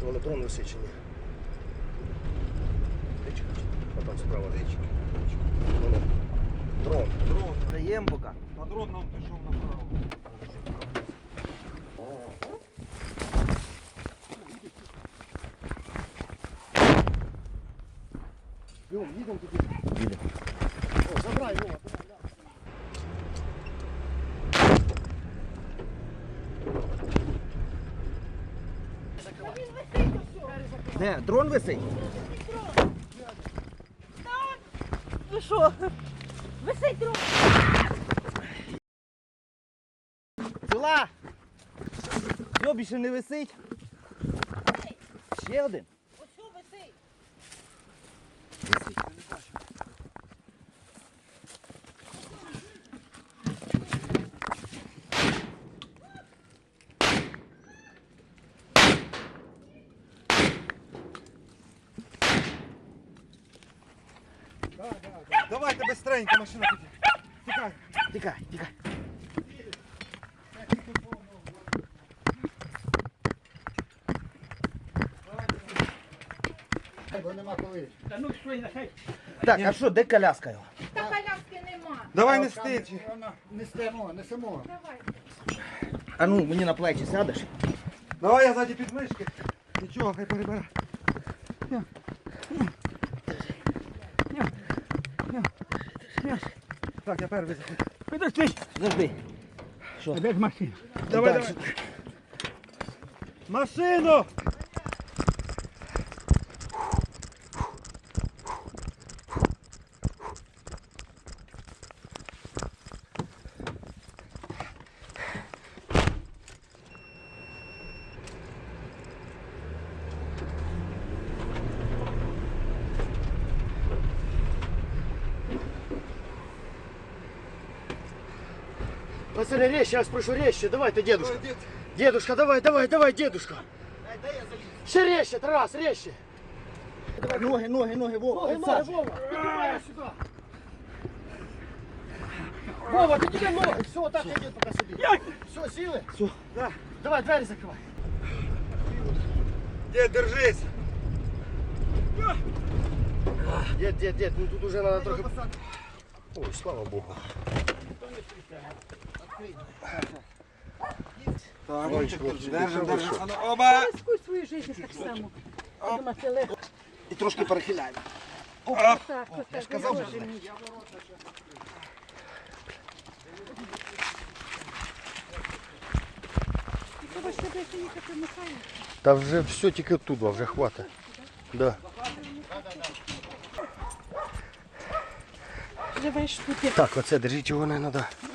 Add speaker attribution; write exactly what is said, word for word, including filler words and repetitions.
Speaker 1: Воно дрон висичений. А там справа річка. Воно. Дрон.
Speaker 2: Дрон.
Speaker 1: Даємо поки.
Speaker 2: А дрон нам пішов направо.
Speaker 1: Йом, їдемо туди. Їдемо. О, забирай його. Де? Дрон висить?
Speaker 3: Ви що? Висить дрон.
Speaker 1: Ціла! Йо, більше не висить. Ще один.
Speaker 3: Ось що висить?
Speaker 1: Висить, я не бачу.
Speaker 2: Давайте быстренько, машина тут. Тікай.
Speaker 1: Тікай, тікай.
Speaker 4: Бо нема коли.
Speaker 1: Так, а що, де коляска його?
Speaker 3: Та коляски нема.
Speaker 2: Давай не стич.
Speaker 4: Несемо, несемо.
Speaker 3: Давай.
Speaker 1: А ну, мені на плечі сядеш?
Speaker 2: Давай я ззаді підмишки. Нічого, хай перебере. Так, я перший.
Speaker 1: Підожди. Подожди. Що?
Speaker 4: Де ж машина?
Speaker 2: Давай,
Speaker 1: Так,
Speaker 2: давай. Машину!
Speaker 1: Пацаны, резче, я вас прошу, резче. Давай-то, дедушка. Дедушка, давай, давай, давай, дедушка. Ще резче, Тарас, резче. Давай, ноги, ноги, ноги, Вова. Ноги, ноги, Вова. Давай сюда. Вова, ты тебе ноги. Все, так иди пока себе. Все, силы? Все. Да. Давай, двери закрывай.
Speaker 2: Дед, держись.
Speaker 1: Дед, дед, дед, ну тут уже надо трохи... Ой, слава Богу.
Speaker 2: Так,
Speaker 1: Ой,
Speaker 2: Ромчик,
Speaker 1: хлопці,
Speaker 2: держим,
Speaker 1: це
Speaker 2: держим.
Speaker 1: що?
Speaker 2: А ну, оба!
Speaker 3: Рискуй свою життя так само. Думати легко.
Speaker 1: І трошки перехиляємо.
Speaker 3: Так, так, так.
Speaker 1: сказав же,
Speaker 3: Боже мій. Треба ще десь їхати Михайло.
Speaker 1: Та вже все тільки туди, вже хватить. Да.
Speaker 3: Живеш тут.
Speaker 1: Так, оце держіть його не треба.